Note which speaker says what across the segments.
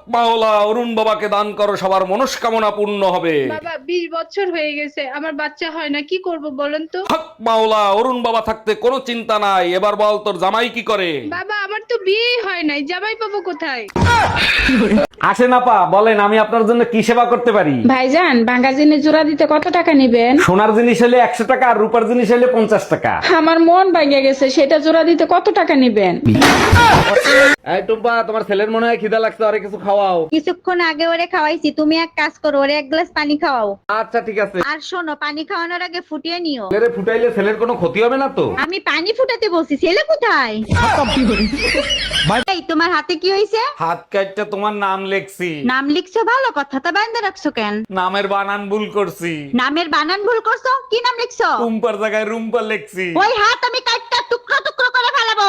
Speaker 1: মাওলা অরুণ বাবাকে দান করো, সবার মনস্কামনা পূর্ণ হবে।
Speaker 2: বাবা 20 বছর হয়ে গেছে, আমার বাচ্চা হয় না, কি করব বলেন তো?
Speaker 1: হক মাওলা, অরুণ বাবা থাকতে কোনো চিন্তা নাই। এবার বল তোর জামাই কি করে?
Speaker 2: বাবা আমার তো বিয়ে হয় নাই, জামাই পাবো কোথায়?
Speaker 1: আসেন আপা, বলেন আমি আপনার জন্য কি সেবা করতে পারি?
Speaker 2: ভাইজান, ভাঙা জিনিস জোড়া দিতে কত টাকা নিবেন?
Speaker 1: সোনার জিনিস হলে 100 টাকা, আর রূপার জিনিস হলে 50 টাকা।
Speaker 2: আমার মন ভেঙে গেছে, সেটা জোড়া দিতে কত টাকা নিবেন?
Speaker 1: এই টুম্পা, তোমার ছেলের মনে হয় খিদা লাগছে, আরে কিছু খাওয়াও।
Speaker 3: কিছুক্ষণ আগে ওরে খাওয়াইছি, তুমি এক কাজ করো, ওরে এক গ্লাস পানি খাওয়াও।
Speaker 1: আচ্ছা ঠিক আছে।
Speaker 3: আর শোনো, পানি খাওয়ানোর আগে ফুটিয়ে নিও।
Speaker 1: ছেলেরে ফুটাইলে ছেলের কোনো ক্ষতি হবে না তো?
Speaker 3: আমি পানি ফুটাতে বলছি, ছেলে কোথায়? এই তোমার হাতে কি হয়েছে?
Speaker 1: হাত কাটটা তোমার নাম লেখছি।
Speaker 3: নাম লিখছো ভালো কথা, তা বান্ধা রাখছো কেন?
Speaker 1: নামের বানান ভুল করছি।
Speaker 3: নামের বানান ভুল করছো? কি নাম লিখছো?
Speaker 1: টুম্পার জায়গায় রুম্পা লেখছি।
Speaker 3: ওই হাত আমি কাটটা টুকরো টুকরো করে ফেলাবো।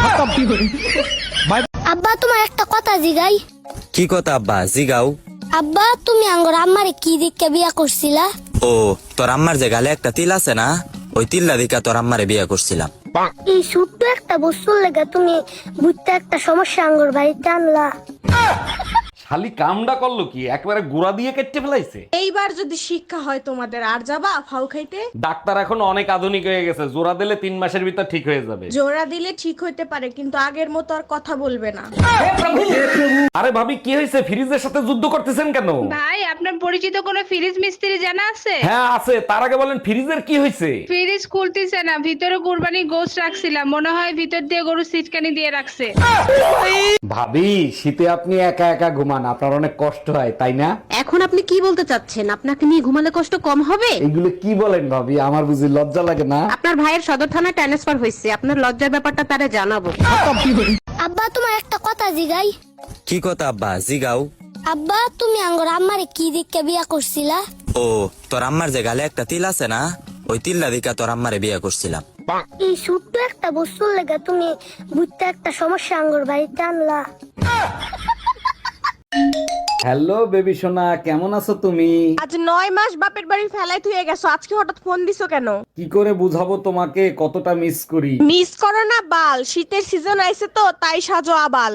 Speaker 4: আব্বা তোমার একটা কথা জিগাই।
Speaker 5: কি কথা আব্বা জিগাও?
Speaker 4: আব্বা তুমি আঙ্গর আম্মারে কি দিককে বিয়া করছিলা?
Speaker 5: ও তোর আম্মার যে গালে একটা তিল আছে না, ওই তিল্লা দিকা তোর আম্মারে বিয়া করছিলাম।
Speaker 4: এই ছোট্ট একটা বস্তুর লেগে তুমি বুঝতে একটা সমস্যা আঙ্গর বাড়িতে আনলা।
Speaker 1: শালি কামডা করলো কি, একবারে গুড়া দিয়ে কেটে ফেলাইছে।
Speaker 6: এইবার যদি শিক্ষা হয় তোমাদের, আর যাবা ফাউ খাইতে?
Speaker 1: ডাক্তার এখন অনেক আধুনিক হয়ে গেছে, জোড়া দিলে 3 মাসের ভিতর ঠিক হয়ে যাবে।
Speaker 6: জোড়া দিলে ঠিক হইতে পারে, কিন্তু আগের মতো আর কথা বলবে না।
Speaker 1: আরে ভাবি কি হয়েছে, ফ্রিজের সাথে যুদ্ধ করতেছেন কেন?
Speaker 2: ভাই, আপনার পরিচিত কোনো ফ্রিজ মিস্ত্রি জানা আছে?
Speaker 1: হ্যাঁ আছে, তার আগে বলেন ফ্রিজের কি হয়েছে?
Speaker 2: ফ্রিজ খুলতেছে না, ভিতরে কুরবানি গোশত রাখছিলাম, মনে হয় ভিতর দিয়ে গরু সিটকানি দিয়ে রাখছে।
Speaker 1: ভাবি শীতে আপনি একা একা ঘুমান, আপনার অনেক কষ্ট হয় তাই না?
Speaker 7: এখন আপনি কি বলতে চাচ্ছেন? আপনাকে নিয়ে ঘুমালে কষ্ট কম হবে?
Speaker 1: এগুলো কি বলেন ভাবি, আমার বুঝি লজ্জা লাগে না?
Speaker 7: আপনার ভাইয়ের সদর থানায় ট্রান্সফার হয়েছে, আপনার লজ্জার ব্যাপারটা তারে জানাবো।
Speaker 4: আব্বা তোমার একটা কথা জিগাই।
Speaker 5: কি কথা আব্বা জিগাও?
Speaker 4: আব্বা তুমি আঙ্গর আম্মারে কি দিককে বিয়া করছিলা?
Speaker 5: ও তোর আম্মার যে গালে একটা তিল আছে না, ওই তিল্লা দিকা তোর আম্মারে বিয়া করছিলাম।
Speaker 4: এই ছোট্ট একটা বস্তুর লেগে তুমি বুঝতে একটা সমস্যা আঙ্গর বাড়িতে আনলা।
Speaker 1: হ্যালো বেবি সোনা, কেমন আছো তুমি?
Speaker 6: আজ 9 মাস বাপের বাড়ি ফেলাই তুই গেছো, আজকে হঠাৎ ফোন দিছো কেন?
Speaker 1: কি করে বুঝাবো তোমাকে কতটা মিস করি?
Speaker 6: মিস করো না বাল, শীতের সিজন আইছে তো তাই সাজো আবাল।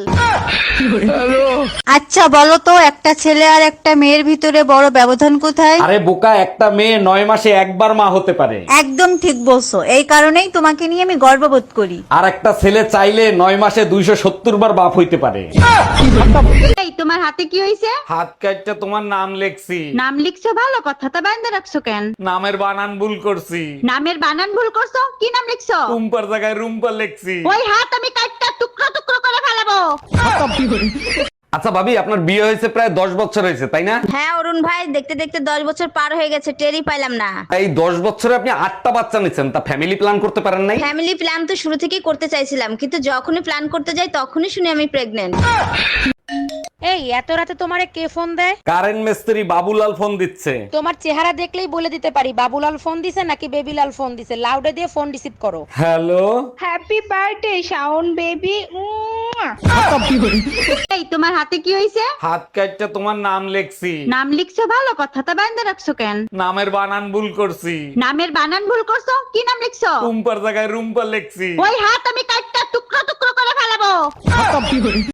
Speaker 3: আচ্ছা বলো তো, একটা ছেলে আর একটা মেয়ের ভিতরে বড় ব্যবধান কোথায়?
Speaker 1: আরে বোকা, একটা মেয়ে 9 মাসে একবার মা হতে পারে।
Speaker 3: একদম ঠিক বলছো, এই কারণেই তোমাকে নিয়ে আমি গর্ববোধ করি।
Speaker 1: আর একটা ছেলে চাইলে 9 মাসে 270 বার বাপ হইতে পারে।
Speaker 3: এই তোমার হাতে কি হয়েছে?
Speaker 1: হাত কাটটা তোমার নাম লেখছি।
Speaker 3: নাম লিখছো ভালো কথা, তা বান্ধা রাখছো কেন?
Speaker 1: নামের বানান ভুল করছি।
Speaker 3: নামের বানান ভুল করছো? কি নাম লিখছো?
Speaker 1: টুম্পার জায়গায় রুম্পা লেখছি।
Speaker 3: ওই হাত আমি কাটটা টুকরো টুকরো করে ফেলাবো।
Speaker 1: আচ্ছা ভাবি, আপনার বিয়ে হয়েছে প্রায় 10 বছর হয়েছে তাই না?
Speaker 3: হ্যাঁ অরুণ ভাই, দেখতে দেখতে 10 বছর পার হয়ে গেছে, টেরই পাইলাম না।
Speaker 1: এই 10 বছরে আপনি 8টা বাচ্চা নিচ্ছেন, তা ফ্যামিলি প্ল্যান করতে পারেন নাই?
Speaker 3: ফ্যামিলি প্ল্যান তো শুরু থেকেই করতে চাইছিলাম, কিন্তু যখনই প্ল্যান করতে যাই তখনই শুনি আমি প্রেগনেন্ট।
Speaker 7: এই এত রাতে তোমারে কে ফোন দেয়?
Speaker 1: কারেন্ট মিস্ত্রি বাবুলাল ফোন দিচ্ছে।
Speaker 7: তোমার চেহারা দেখলেই বলে দিতে পারি বাবুলাল ফোন দিছে নাকি বেবিলাল ফোন দিছে। লাউডে দিয়ে ফোন রিসিভ করো।
Speaker 1: Hello.
Speaker 2: Happy birthday Shaon baby.
Speaker 3: এই তোমার হাতে কি হয়েছে?
Speaker 1: হাত কাটটা তোমার নাম লেখছি।
Speaker 3: নাম লিখছো ভালো কথা, তা বান্ধা রাখছো কেন?
Speaker 1: নামের বানান ভুল করছি।
Speaker 3: নামের বানান ভুল করছো? কি নাম লিখছো?
Speaker 1: টুম্পার জায়গায় রুম্পা লেখছি।
Speaker 3: ওই হাত আমি কাটটা টুকরো টুকরো করে ফেলাবো।